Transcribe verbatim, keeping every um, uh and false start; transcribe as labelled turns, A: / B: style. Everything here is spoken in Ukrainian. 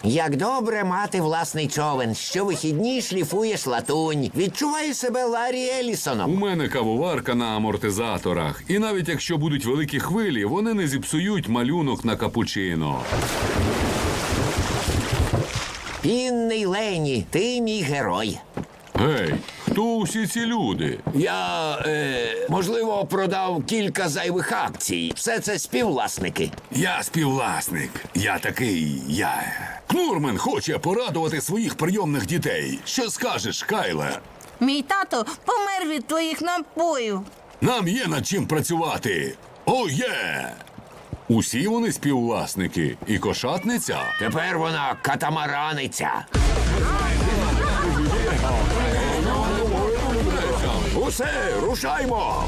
A: Як добре мати власний човен. Щовихідні шліфуєш латунь. Відчуваю себе Ларі
B: У
A: Елісоном.
B: мене кавоварка на амортизаторах. І навіть якщо будуть великі хвилі, вони не зіпсують малюнок на капучино.
A: Пінний Лені, ти мій герой.
B: Гей, хто усі ці люди?
A: Я, е, можливо, продав кілька зайвих акцій. Все це співвласники.
C: Я співвласник. Я такий, я. Кнурмен хоче порадувати своїх прийомних дітей. Що скажеш, Кайле?
D: Мій тато помер від твоїх напоїв.
C: Нам є над чим працювати. О, є!
B: Усі вони співвласники. І кошатниця?
A: Тепер вона катамараниця. Усе, рушаймо!